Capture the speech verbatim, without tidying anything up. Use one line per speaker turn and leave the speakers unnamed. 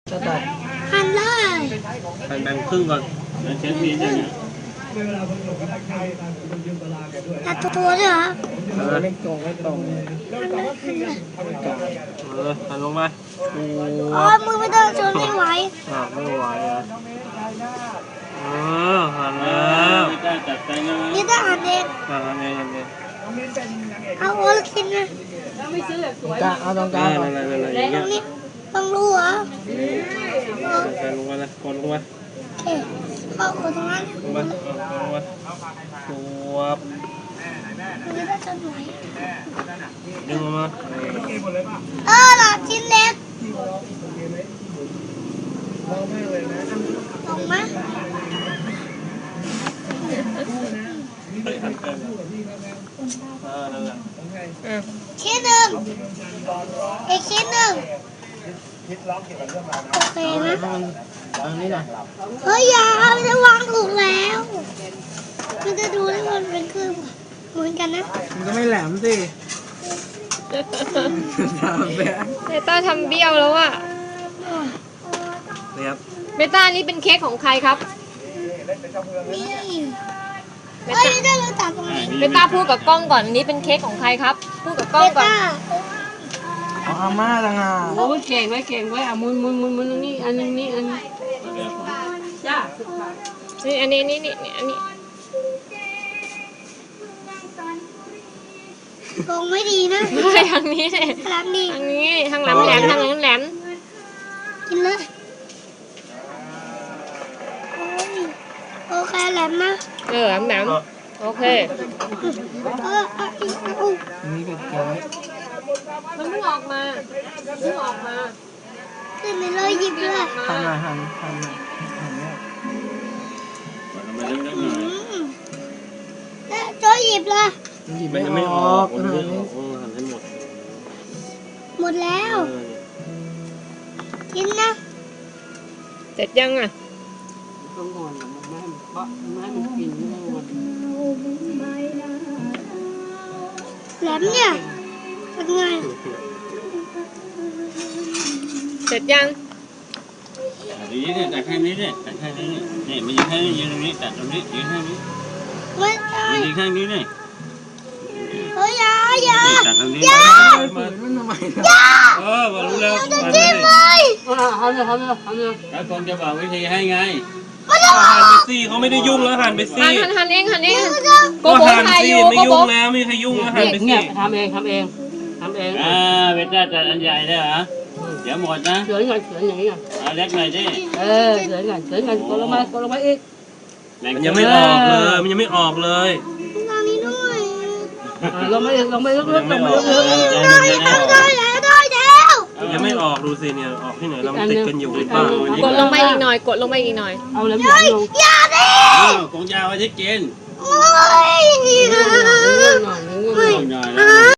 จะตัด
หั่นเลย
หั่นแบ่งครึ่งก่อนเช็ดมีดอย่างเงี้ย
ตัดตัวด้วยเหรอ
เออ
ไม่ตรงไม่ตรง
เออหั่นลงไปปู
อ๋อมือไม่ต้องชนไม่ไหว
อ่าไม่ไหวอ่ะเออหั่นแล้วไม่ได้จัดใจนะ
นี่ต้องหั่นเอง
อ่าหั่นเองหั่นเอง
เอาโอลกินนะ
กลางเอาตรงกลา
อ่าง
ก่อน
นั่นๆๆอย่าง
ตร
เงี้ย
งนี้ต้องรู้เหรอ
ใส่ลงไปเลยกดลงไป
เอ๊ะเข้าคนตรงนั้น
ลงไปลงไปสวบ
มือต้องชนไหว
ดึงออกมา
เออหลอดชิ้นเล็กลงมา
เฮ้ยหั่นเกินเออนั่นแหละ
ชิ้นหนึ่งอีกชิ้นหนึ่งโอเคนะ
อันนี้หน่อย
เฮ้ยอย่ามันจะวางถูกแล้วมันจะดูได้ว่ามันเป็นเครื่องเหมือนกันนะ
มันก็ไม่แหลมสิทำแบบ
เบต้าทำเบี้ยวแล้วอะ
นี่ครับ
เบต้านี่เป็นเค้กของใครครับ
นี่
เบ
เฮ้ย
ต้า
ได้เราตัดตรงนี้
เบต้าพูดกับกล้องก่อนอันนี้เป็นเค้กของใครครับ พูดกับกล้
เบ
องก่อน
ต้า
เอาอาม่าต่างหาก
โอ้ยเก่งไว้เก่งไว้อ่ะมุนมุนมุนมุนนี่อันนึงนี่อันนี้จ้า
นี่อันนี้นี่นี่นี่อันนี้
ลงไม่ดีนะ
ไม่ทางนี้เลย
รับดี
ทางนี้ทางแหลมแหลมทางแหลมแหลม
กินเลยโอ้ยโอเคแหลมนะ
เออแหลมแหลมโอเค
เออเอาอีกเอา
อันนี้เป็นเค้ก
มันเพิ่งออกมาเพิ่งออกมา
ขึ้นไปเลยหยิบเลย
ทำหน่อยหั่นหั่นหน่อยหั่นเนี่ย
อืมแล้วโจอยหยิบเลย
มันหยิบ
ไม่
ไม่
ไม่
อ
อ
อ
อก
ก
มัน
หั่น
ไม่อ
นี่
อกเออหั่นให้หมด
หมดแล้ว
เออ
กินนะ
เสร็จยังอ่ะ
ต้องงอนมันไม่ให้มันเพราะไม่ให้มันกินไม่ให้มัน
แหลมเนี่ยเป็นไง
เสร็จยัง
ดีเนี่ยตัดแค่นี้เนี่ยตัดแค่นี้เนี่ยนี่มันยืนแค่นี้ยืนตรงนี้ตัดตรงนี้ยืนแค่นี้
ไม่ใช่
มันยืนแค่นี้เนี่ย
เฮ้ยอย่าอย่า
ตัดตรงนี้
ฝื
มาน
มันทำไม
อย่า
เออมารู้แล้ว
จะ
มา
จิ้มเลย
อ่าทำเลยทำเลยทำเลย
แล้วคนจะบอกวิธีให้ไง
มันจะ
หั่นไปสิเขาไม่ได้ยุ่งแล้วหั่นไปสิ
หันหันหันเองหันเองโก
ก็
โบ
หั่น
ถ่าย
สิ
อยู่
ไม่
โกโบ
ยุ่งแล้วไม่มีใครยุ่งแล้วหั่นไปสิ
เงียบทำเองทำเองทำเอง
อ่าเวทจัดอันใหญ่ได้เหรอเดี๋ยวหมดนะ
เสือไงเสืออย่างนี้ไง
เอาเล็กหน่อยดิ
เออเสือไงเสือไงกดลงมากดลงมาอีก
มันยังไม่ออกเลย มันยังไม่ออกเลย
ทางนี้ด้วย
อ่าลงมาอีกลงมาอีกลงมาอีกลงมาอีก
ได้แล้วได้แล้วได้แล้ว
มันยังไม่ออกดูสิเนี่ยออกที่ไหนเราติดกันอยู่หรือเปล่าก
ดลงไปอีกหน่อย กดลงไปอีกหน่อย
เอาเลยหมดลง
อย่าดิ
กงยาวไว้ที่กิน
โอ้ย
ง่วงหน่อยง่วงหน่อย
กงยาว